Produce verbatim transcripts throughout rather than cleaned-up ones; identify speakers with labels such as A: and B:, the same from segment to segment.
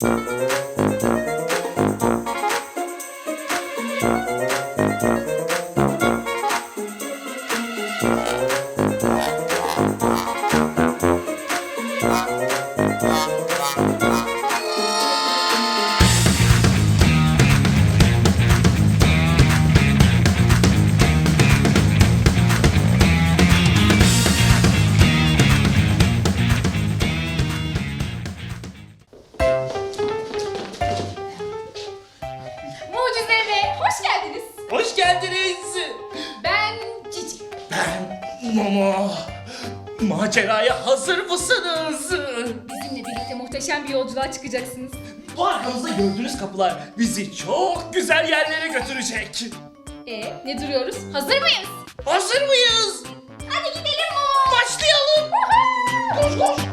A: Mucize Eve, hoş geldiniz.
B: Hoş geldiniz.
A: Ben Cici.
B: Ben Momo. Maceraya hazır mısınız?
A: Bizimle birlikte muhteşem bir yolculuğa çıkacaksınız.
B: Bu arkamızda gördüğünüz kapılar bizi çok güzel yerlere götürecek.
A: E, ne duruyoruz? Hazır mıyız?
B: Hazır mıyız?
A: Hadi gidelim Momo.
B: Başlayalım. Koş koş.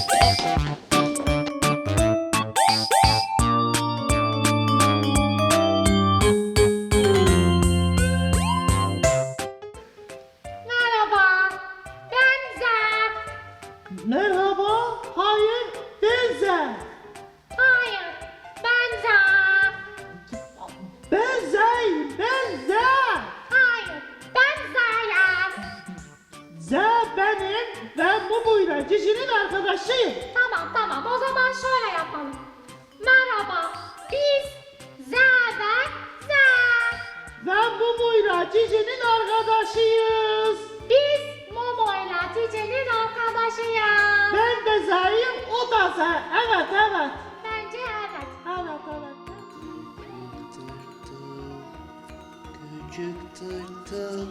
A: Merhaba, ben Zer.
C: Merhaba, hayır, ben Zer.
A: Hayır, ben Zer.
C: Ben Zeyim, ben Zer.
A: Hayır, ben Zeryan.
C: Zer benim, ben bu buyla Cici'nin arkadaşıyım.
A: Tamam tamam, o zaman şöyle yapalım. Merhaba, biz Zer ve Zer.
C: Ben bu buyla Cici'nin arkadaşıyız.
A: Biz Momo ile Cici'nin arkadaşıyız.
C: Ben de Zer'im, o da Zer. Evet, evet.
A: Bence evet.
C: Evet, evet.
B: Küçük tırtıl,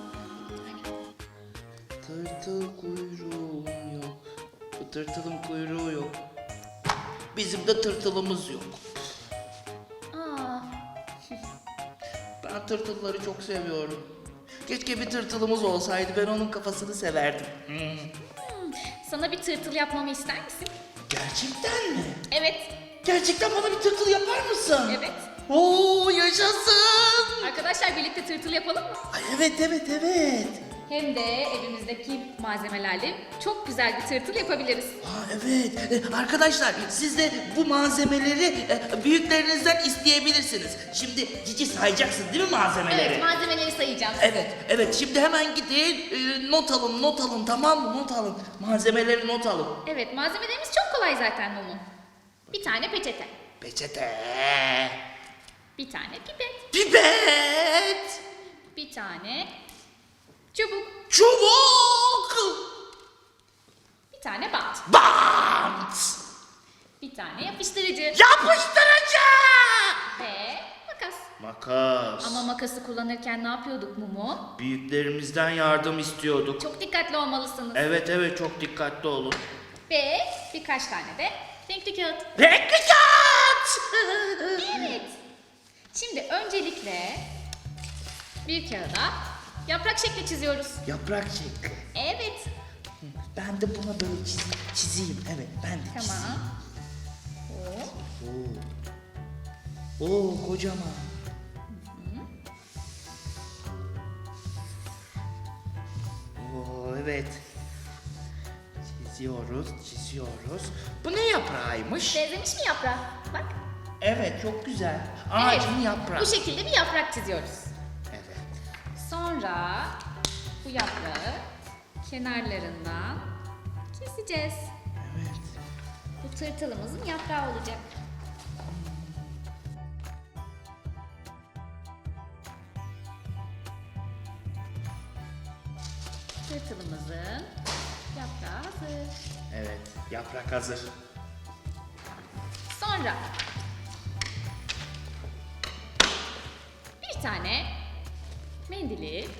B: tırtıl kuyruğum yok. Bu tırtılın kuyruğu yok. Bizim de tırtılımız yok.
A: Aa,
B: Ben tırtılları çok seviyorum. Keşke bir tırtılımız olsaydı, ben onun kafasını severdim. Hmm.
A: sana bir tırtıl yapmamı ister misin?
B: Gerçekten mi?
A: Evet.
B: Gerçekten bana bir tırtıl yapar mısın?
A: Evet.
B: Oo, yaşasın.
A: Arkadaşlar birlikte tırtıl yapalım mı?
B: Ay, evet evet evet.
A: Hem de evimizdeki malzemelerle çok güzel bir tırtıl yapabiliriz.
B: Aa, evet. Ee, Arkadaşlar siz de bu malzemeleri e, büyüklerinizden isteyebilirsiniz. Şimdi Cici sayacaksın değil mi malzemeleri?
A: Evet, malzemeleri sayacağım.
B: Evet, evet. Şimdi hemen gidin, e, not alın, not alın, tamam mı? Not alın. Malzemeleri not alın.
A: Evet, malzemelerimiz çok kolay zaten Momo. Bir tane peçete,
B: Peçete,
A: bir tane pipet,
B: pipet,
A: bir tane çubuk,
B: çubuk,
A: bir tane bant,
B: bant,
A: bir tane yapıştırıcı
B: yapıştırıcı,
A: ve makas.
B: makas.
A: Ama makası kullanırken ne yapıyorduk Momo?
B: Büyüklerimizden yardım istiyorduk.
A: Çok dikkatli olmalısınız.
B: Evet evet, çok dikkatli olun.
A: Ve birkaç tane de renkli kağıt.
B: Renkli kağıt.
A: Evet. Şimdi öncelikle bir kağıda yaprak şekli çiziyoruz.
B: Yaprak şekli.
A: Evet.
B: Ben de buna böyle çiz, çizeyim. Evet, ben de çizeyim.
A: Tamam. Hop.
B: Oo. Oo, kocaman. Oo, evet. Çiziyoruz, çiziyoruz. Bu ne yaprağıymış?
A: Benzemiş mi yaprağa? Bak.
B: Evet, çok güzel. Ağacın
A: Evet,
B: yaprağı.
A: Bu şekilde bir yaprak çiziyoruz.
B: Evet.
A: Sonra bu yaprağı kenarlarından keseceğiz.
B: Evet.
A: Bu tırtılımızın yaprağı olacak. Tırtılımızın yaprağı hazır.
B: Evet, yaprak hazır.
A: Sonra bir tane mendili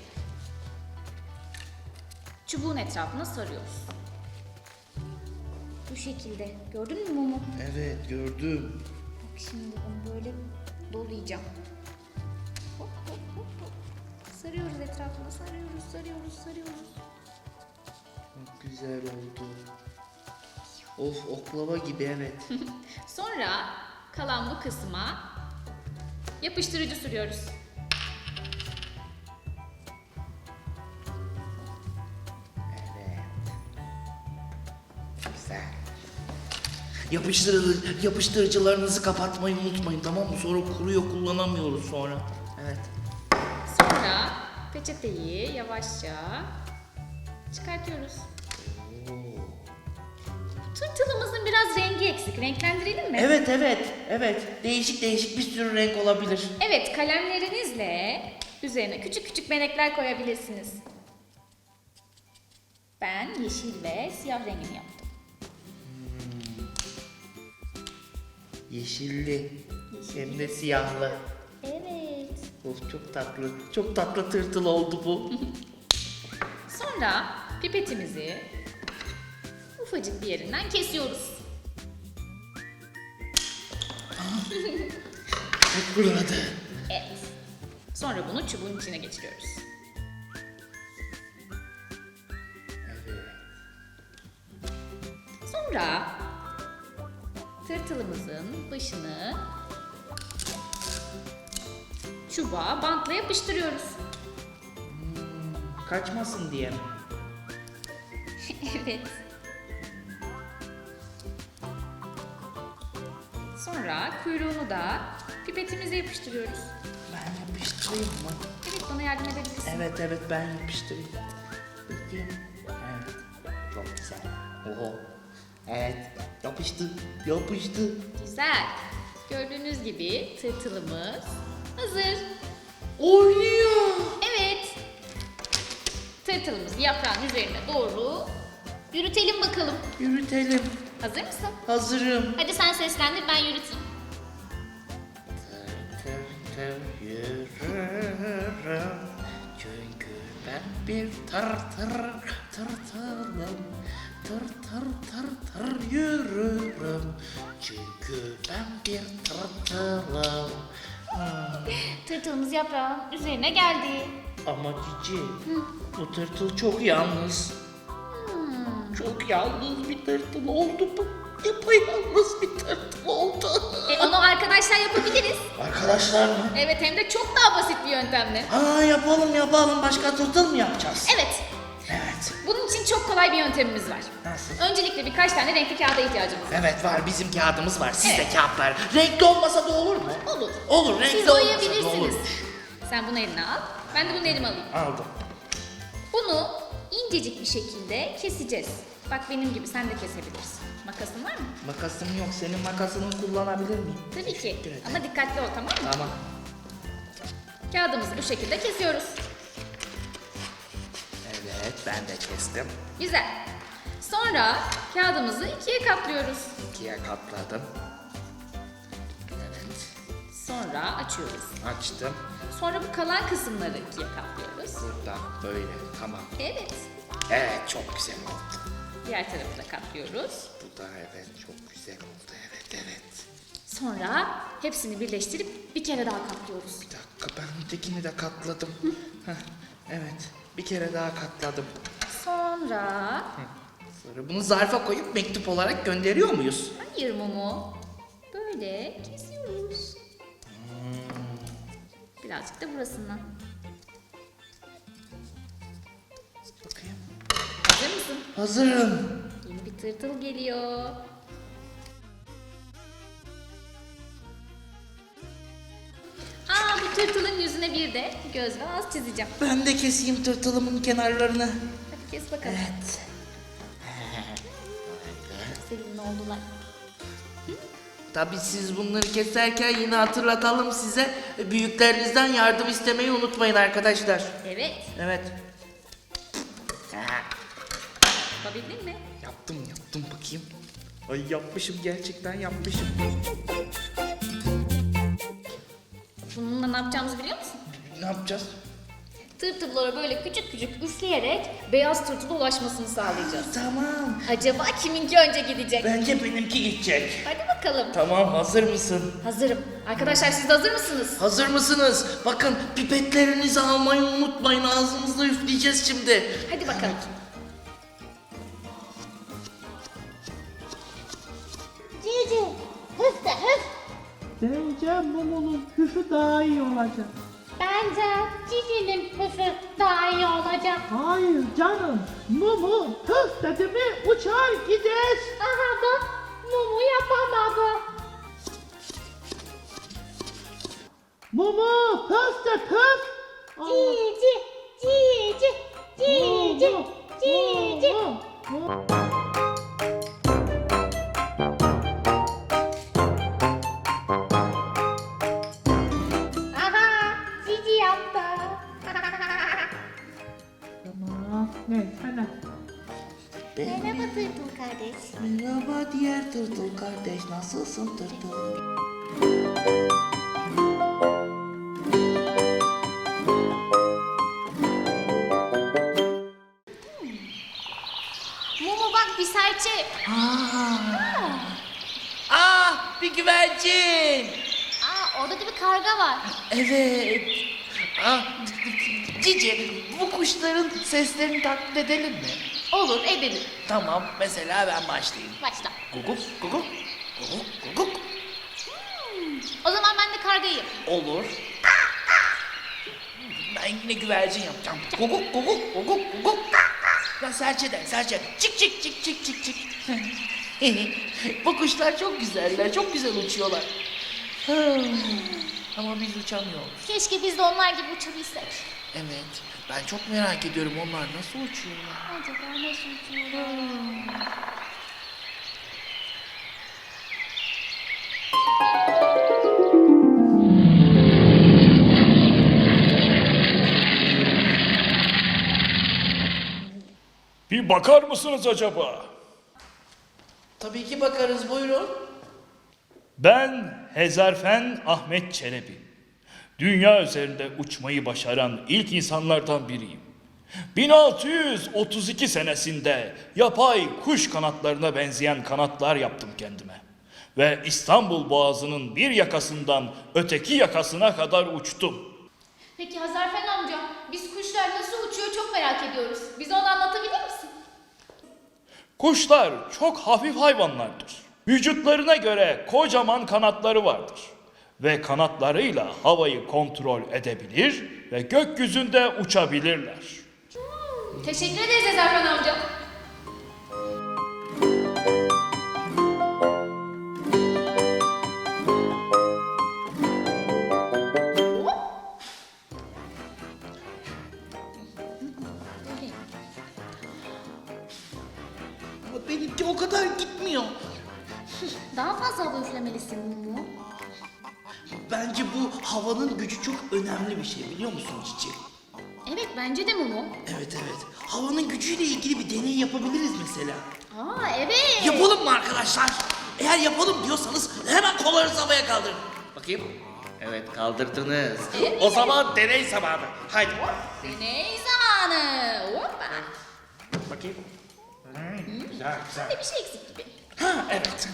A: çubuğun etrafına sarıyoruz. Bu şekilde. Gördün mü Mumu?
B: Evet, gördüm.
A: Bak şimdi onu böyle dolayacağım. Hop hop hop hop. Sarıyoruz etrafına, sarıyoruz, sarıyoruz, sarıyoruz.
B: Çok güzel oldu. Of, oklava gibi, evet.
A: Sonra kalan bu kısma yapıştırıcı sürüyoruz.
B: Evet. Güzel. Yapıştırıcı, yapıştırıcılarınızı kapatmayı unutmayın, tamam mı? Sonra kuruyor, kullanamıyoruz sonra. Evet.
A: Sonra peçeteyi yavaşça çıkartıyoruz. Tırtılımızın biraz rengi eksik. Renklendirelim mi?
B: Evet evet evet. Değişik değişik bir sürü renk olabilir.
A: Evet, kalemlerinizle üzerine küçük küçük benekler koyabilirsiniz. Ben yeşil ve siyah rengini yaptım.
B: Yeşilli. Hem de siyahlı.
A: Evet.
B: Of, çok tatlı. Çok tatlı tırtıl oldu bu.
A: Sonra pipetimizi ufacık bir yerinden kesiyoruz.
B: Çok fırladı.
A: Evet. Sonra bunu çubuğun içine geçiriyoruz.
B: Evet.
A: Sonra tırtılımızın başını çubuğa bantla yapıştırıyoruz.
B: Kaçmasın diye mi?
A: Evet. Sonra kuyruğunu da pipetimize yapıştırıyoruz.
B: Ben yapıştırayım mı?
A: Evet, bana yardım edebilirsin.
B: Evet evet, ben yapıştırayım. Bakayım. Evet. Çok güzel. Oho. Evet. Yapıştı. Yapıştı.
A: Güzel. Gördüğünüz gibi tırtılımız hazır.
B: Oynuyor.
A: Evet. Tırtılımızı yaprağın üzerine doğru yürütelim bakalım.
B: Yürütelim.
A: Hazır mısın?
B: Hazırım.
A: Hadi sen seslendir, ben yürüteyim.
B: Tır tır yürürüm. Çünkü ben bir tır tır tırtılım. Tır tır tır tır yürürüm. Çünkü ben bir tırtılım. Hmm.
A: Tırtılımız yaprağın üzerine geldi.
B: Ama Cici, bu tırtıl çok yalnız.
A: Hmm.
B: Çok yalnız bir tırtıl oldu bu. Yapayalnız bir tırtıl oldu.
A: E, onu arkadaşlar yapabiliriz.
B: Arkadaşlar mı?
A: Evet, hem de çok daha basit bir yöntemle.
B: Aa, yapalım yapalım. Başka tırtıl mı yapacağız?
A: Evet.
B: Evet.
A: Bunun için çok kolay bir yöntemimiz var.
B: Nasıl?
A: Öncelikle birkaç tane renkli kağıda ihtiyacımız var.
B: Evet var, bizim kağıdımız var. Sizde
A: Evet.
B: kağıtlar. Renkli olmasa da olur mu?
A: Olur.
B: Olur, renkli
A: Siz
B: olmasa da
A: boyayabilirsiniz.
B: olur.
A: Sen bunu eline al. Ben de bunu elime alayım.
B: Aldım.
A: Bunu incecik bir şekilde keseceğiz. Bak, benim gibi sen de kesebilirsin. Makasın var mı?
B: Makasım yok. Senin makasını kullanabilir miyim?
A: Tabii ki.
B: Teşekkür ederim.
A: Ama dikkatli ol, tamam mı?
B: Tamam.
A: Kağıdımızı bu şekilde kesiyoruz.
B: Evet, ben de kestim.
A: Güzel. Sonra kağıdımızı ikiye katlıyoruz.
B: İkiye katladım. Evet.
A: Sonra açıyoruz.
B: Açtım.
A: Sonra bu kalan kısımları ikiye katlıyoruz.
B: Burada böyle. Tamam.
A: Evet.
B: Evet, çok güzel oldu.
A: Diğer tarafı da katlıyoruz.
B: Bu da evet çok güzel oldu. Evet evet.
A: Sonra hepsini birleştirip bir kere daha katlıyoruz.
B: Bir dakika, ben ötekini de katladım. Heh, evet, bir kere daha katladım.
A: Sonra...
B: Sonra bunu zarfa koyup mektup olarak gönderiyor muyuz?
A: Hayır Mumu. Böyle kesiyoruz. Birazcık da burasından.
B: Bakayım.
A: Hazır mısın?
B: Hazırım.
A: Yeni bir tırtıl geliyor. Aa, bu tırtılın yüzüne bir de göz ve ağız çizeceğim.
B: Ben de keseyim tırtılımın kenarlarını.
A: Hadi kes bakalım.
B: Evet.
A: Sevimli oldular.
B: Tabii siz bunları keserken yine hatırlatalım size. Büyüklerinizden yardım istemeyi unutmayın arkadaşlar.
A: Evet.
B: Evet.
A: Yapabildin mi?
B: Yaptım yaptım bakayım. Ay, yapmışım, gerçekten yapmışım.
A: Bununla ne yapacağımızı biliyor musun?
B: Ne yapacağız?
A: Tırtıllara böyle küçük küçük üfleyerek beyaz tırtıla ulaşmasını sağlayacağız.
B: Tamam.
A: Acaba kiminki önce gidecek?
B: Bence benimki gidecek.
A: Hadi bakalım.
B: Tamam, hazır mısın?
A: Hazırım. Arkadaşlar, siz de hazır mısınız?
B: Hazır mısınız? Bakın, pipetlerinizi almayı unutmayın. Ağzınızda üfleyeceğiz şimdi.
A: Hadi bakalım.
D: Cici, hıf de hıf.
C: Bence Mumu'nun küfü daha iyi olacak.
D: Bence Cici'nin hıfı daha iyi olacak.
C: Hayır canım. Mumu hıf dedi mi uçar gider.
D: Aha bak, Mumu yapamadı.
C: Mumu kız da kız.
D: Cici, cici, cici, cici. Aha, cici yaptı.
C: Tamam. Ne sana?
A: Merhaba Tırtıl kardeş.
B: Merhaba diğer tırtıl kardeş, nasılsın tırtıl?
A: Mumu bak bir serçe.
B: Ah, bir güvercin.
A: Aa orada da bir karga var.
B: Evet. Ah, Cici, bu kuşların seslerini taklit edelim mi?
A: Olur edelim.
B: Tamam, mesela ben başlayayım.
A: Başla.
B: Guguk, guguk, guguk, guguk.
A: O zaman ben de kargayım.
B: Olur. Ben yine güvercin yapacağım. Guguk, guguk, guguk, guguk. Ya serçe de, serçe. Çık çık çık çık çık çık. Bu kuşlar çok güzeller, çok güzel uçuyorlar. Ama biz uçamıyoruz.
A: Keşke biz de onlar gibi uçabilsek.
B: Evet, ben çok merak ediyorum onlar nasıl uçuyorlar.
A: Acaba nasıl uçuyorlar?
E: Bir bakar mısınız acaba?
B: Tabii ki bakarız, buyurun.
E: Ben Hezarfen Ahmet Çelebi. Dünya üzerinde uçmayı başaran ilk insanlardan biriyim. bin altı yüz otuz iki senesinde yapay kuş kanatlarına benzeyen kanatlar yaptım kendime. Ve İstanbul Boğazı'nın bir yakasından öteki yakasına kadar uçtum.
A: Peki Hazarfen amca, biz kuşlar nasıl uçuyor çok merak ediyoruz. Bize onu anlatabilir misin?
E: Kuşlar çok hafif hayvanlardır. Vücutlarına göre kocaman kanatları vardır. Ve kanatlarıyla havayı kontrol edebilir ve gökyüzünde uçabilirler.
A: Teşekkür ederiz Hazarfen amca.
B: Ama benimki o kadar gitmiyor.
A: Daha fazla hava üflemelisin Mumu.
B: Bence bu havanın gücü çok önemli bir şey, biliyor musun Cici?
A: Evet bence de Mumu.
B: Evet evet. Havanın gücüyle ilgili bir deney yapabiliriz mesela.
A: Aa evet.
B: Yapalım mı arkadaşlar? Eğer yapalım diyorsanız hemen kollarınızı havaya kaldırın. Bakayım. Evet kaldırdınız.
A: Evet.
B: O zaman deney zamanı. Haydi.
A: Deney zamanı. Hoppa.
B: Bakayım. Güzel güzel.
A: Bir şey eksik gibi.
B: Ha evet.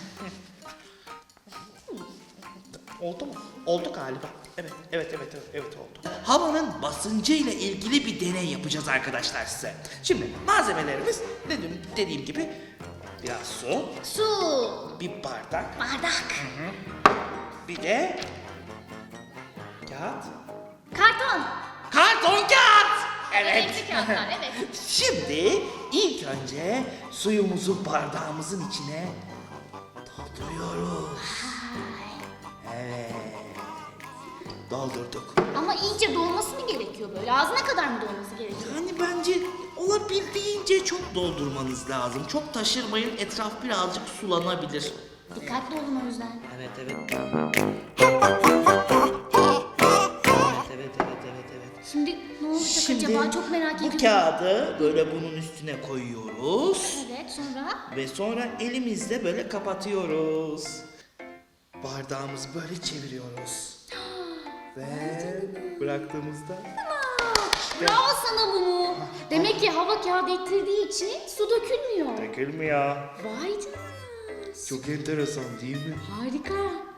B: Oldu mu? Oldu galiba. Evet, evet, evet, evet, evet oldu. Havanın basıncı ile ilgili bir deney yapacağız arkadaşlar size. Şimdi malzemelerimiz dedim dediğim gibi biraz su,
A: Su.
B: bir bardak,
A: Bardak.
B: bir de kağıt.
A: Karton.
B: Karton kağıt. Evet.
A: Renkli kağıtlar evet.
B: Şimdi ilk önce suyumuzu bardağımızın içine dolduruyoruz. Evet. Doldurduk.
A: Ama iyice dolması mı gerekiyor böyle? Ağzına kadar mı dolması gerekiyor?
B: Yani bence olabildiğince çok doldurmanız lazım. Çok taşırmayın, etraf birazcık sulanabilir.
A: Dikkatli olun o yüzden.
B: Evet evet. Evet evet evet evet evet.
A: Şimdi ne olacak
B: Şimdi
A: acaba? Çok merak
B: bu
A: ediyorum.
B: kağıdı böyle bunun üstüne koyuyoruz.
A: Evet sonra?
B: Ve sonra elimizle böyle kapatıyoruz. Bardağımızı böyle çeviriyoruz. Ve bıraktığımızda
A: Bravo sana Mumu. Demek ki hava kağıdı ittirdiği için su dökülmüyor.
B: dökülmüyor.
A: Vay canına.
B: Çok enteresan değil mi?
A: Harika.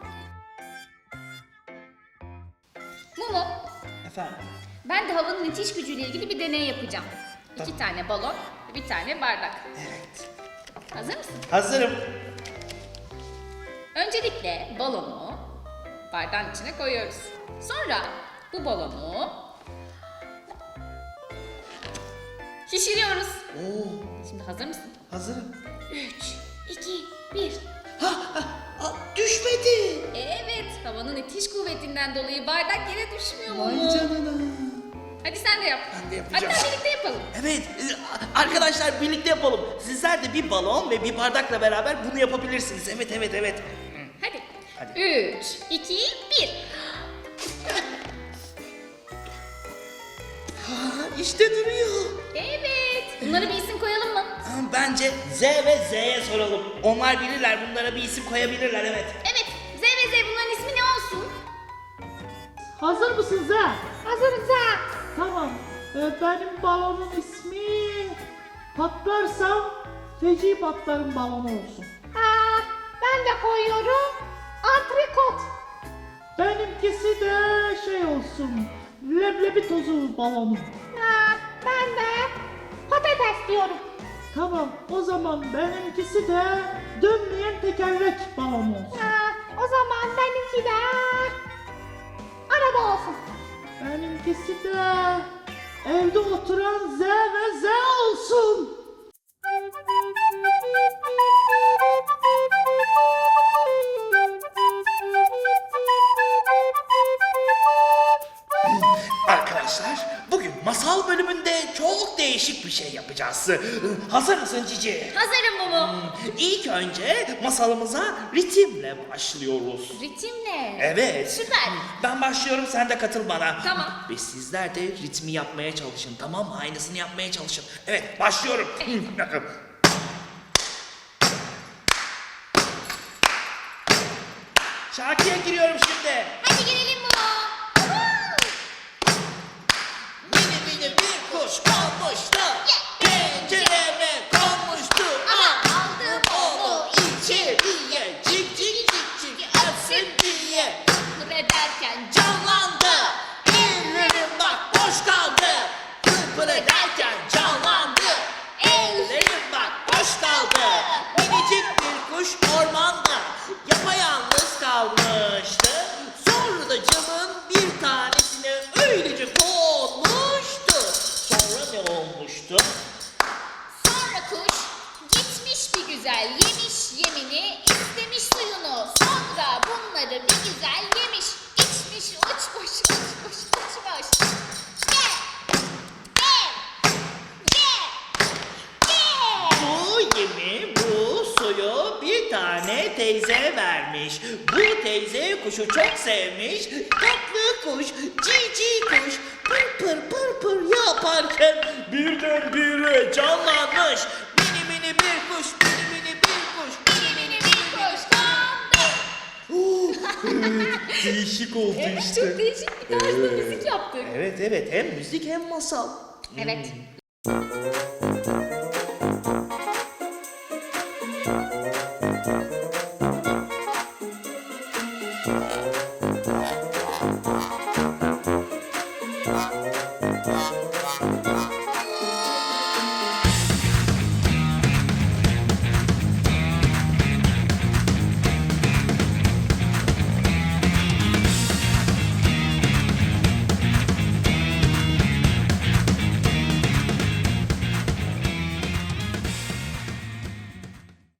A: Mumu,
B: Efendim?
A: ben de havanın itiş gücüyle ilgili bir deney yapacağım. İki tane balon, bir tane bardak.
B: Evet.
A: Hazır mısın?
B: Hazırım.
A: Öncelikle balonu bardağın içine koyuyoruz. Sonra bu balonu şişiriyoruz.
B: Oo,
A: Şimdi hazır mısın?
B: hazırım.
A: Üç, iki, bir.
B: Ha, ha, ha, düşmedi.
A: Evet, havanın itiş kuvvetinden dolayı bardak yere düşmüyor
B: Vay
A: mu?
B: canına.
A: Hadi sen de yap.
B: Ben de yapacağım.
A: Hatta birlikte yapalım.
B: Evet, e, arkadaşlar birlikte yapalım. Sizler de bir balon ve bir bardakla beraber bunu yapabilirsiniz. Evet, evet, evet.
A: Hadi.
B: Hadi.
A: Üç, iki, bir.
B: Ha, işte duruyor.
A: Evet. Bunlara bir isim koyalım mı?
B: Ha, Bence Z ve Z'ye soralım. Onlar bilirler, bunlara bir isim koyabilirler, evet.
A: Evet. Z ve Z bunların ismi ne olsun?
C: Hazır mısınız ha?
D: Hazırız ha.
C: Tamam. Ee, benim balonun ismi patlarsam feci patlarım balonu olsun.
D: Ha, ben de koyuyorum. Antrikot.
C: Benimkisi de şey olsun. Leblebi tozu balonu.
D: Ha, ben de patates diyorum.
C: Tamam, o zaman benimkisi de dönmeyen tekerlek balonu olsun.
D: Ha, o zaman benimki de araba olsun.
C: Benimkisi de evde oturan Z ve Z olsun.
B: Arkadaşlar, bugün masal bölümünde çok değişik bir şey yapacağız. Hazır mısın Cici?
A: Hazırım Mumu.
B: İlk önce masalımıza ritimle başlıyoruz.
A: Ritimle.
B: Evet.
A: Süper.
B: Ben başlıyorum, sen de katıl bana.
A: Tamam.
B: Ve sizler de ritmi yapmaya çalışın, tamam mı? Aynısını yapmaya çalışın. Evet, başlıyorum. Bakın. Şarkıya giriyorum şimdi.
A: Hadi gelelim Mumu.
B: Mini mini bir kuş kalmıştı. Pencereme konmuştu. Ama aldım onu içeriye. Cik cik cik cik ötsün diye.
A: Pır ederken
B: Canlandı. Ellerim bak boş kaldı. Pırpır ederken canlandı. Ellerim bak boş kaldı. Minicik bir kuş ormanda yapayalnız kalmıştı. Sonra da camın bir tanesine öylece konmuştu. Sonra ne olmuştu?
A: sonra kuş gitmiş bir güzel yemiş yemini istemiş suyunu. Sonra bunları bir güzel yemiş içmiş uçmuş uçmuş uçmuş. Ye! Ye! Ye! Ye!
B: Bu yemi, bu suyu bir tane teyze vermiş. Bu teyze kuşu çok sevmiş. Tatlı kuş, cici kuş, pır pır pır pır yaparken birdenbire canlanmış. Mini mini bir kuş, mini mini bir kuş.
A: Mini mini bir kuş kondu.
B: Değişik oldu
A: Evet, çok değişik bir tarzda müzik yaptık.
B: Evet evet, hem müzik hem masal.
A: Evet.